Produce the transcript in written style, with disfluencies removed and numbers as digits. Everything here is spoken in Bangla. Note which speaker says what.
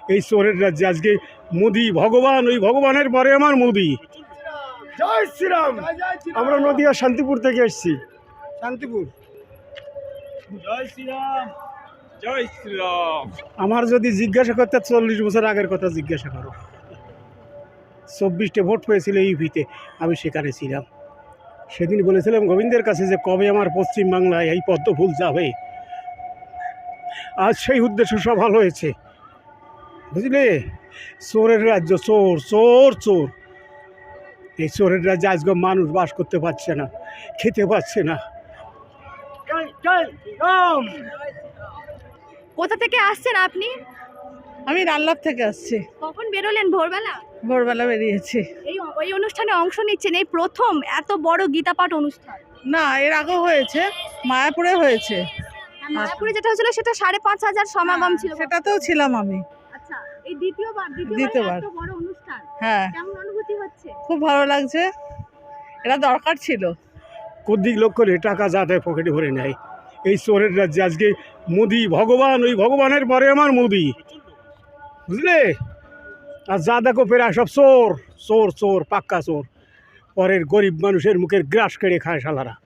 Speaker 1: এই চোরের রাজ্যে আজকে মোদি ভগবান, ওই ভগবানের পরে আমার মোদি। জয় শ্রীরাম। আমরা নদিয়া শান্তিপুর থেকে এসেছি। শান্তিপুর।
Speaker 2: জয় শ্রীরাম, জয় শ্রীরাম।
Speaker 1: আমার যদি জিজ্ঞাসা করতে 40 বছর আগের কথা জিজ্ঞাসা করো, 24টে ভোট পেয়েছিল ইউপিতে, আমি সেখানে ছিলাম। সেদিন বলেছিলাম গোবিন্দের কাছে যে কবে আমার পশ্চিমবাংলায় এই পদ্ম ফুল যাবে। আজ সেই উদ্দেশ্য সফল হয়েছে, বুঝলে। চোরের রাজ্য, চোর চোর চোর। এই চোরের রাজ্যে আজকে মানুষ বাস করতে পারছে না, খেতে পাচ্ছে না।
Speaker 3: কোথা থেকে আসছেন আপনি?
Speaker 4: আমি রাল্লার থেকে আসছি।
Speaker 3: কখন বেরোলেন? ভোরবেলা?
Speaker 4: ভোরবেলা বেরিয়েছি।
Speaker 3: এই অনুষ্ঠানে অংশ নিচ্ছেন, এই প্রথম এত বড় গীতাপাঠ অনুষ্ঠান?
Speaker 4: না, এর আগেও হয়েছে, মায়াপুরে হয়েছে।
Speaker 3: মায়াপুরে যেটা হয়েছিল সেটা 5,500 সমাগম ছিল।
Speaker 4: সেটাতেও ছিলাম আমি।
Speaker 3: আচ্ছা, এই দ্বিতীয়বার এত বড় অনুষ্ঠান,
Speaker 4: হ্যাঁ,
Speaker 3: কেমন অনুভূতি হচ্ছে?
Speaker 4: খুব ভালো লাগছে। এটা দরকার ছিল।
Speaker 1: কদিক লোক করে টাকা যা দেয় পকেটে ভরে নেয়। এই চোরের রাজ্যে আজকে মোদি ভগবান, ওই ভগবানের পরে আমার মোদি, বুঝলে। আর যা দেখো প্রায় সব চোর চোর চোর, পাক্কা চোর। পরের গরিব মানুষের মুখের গ্রাস কেড়ে খায় শালারা।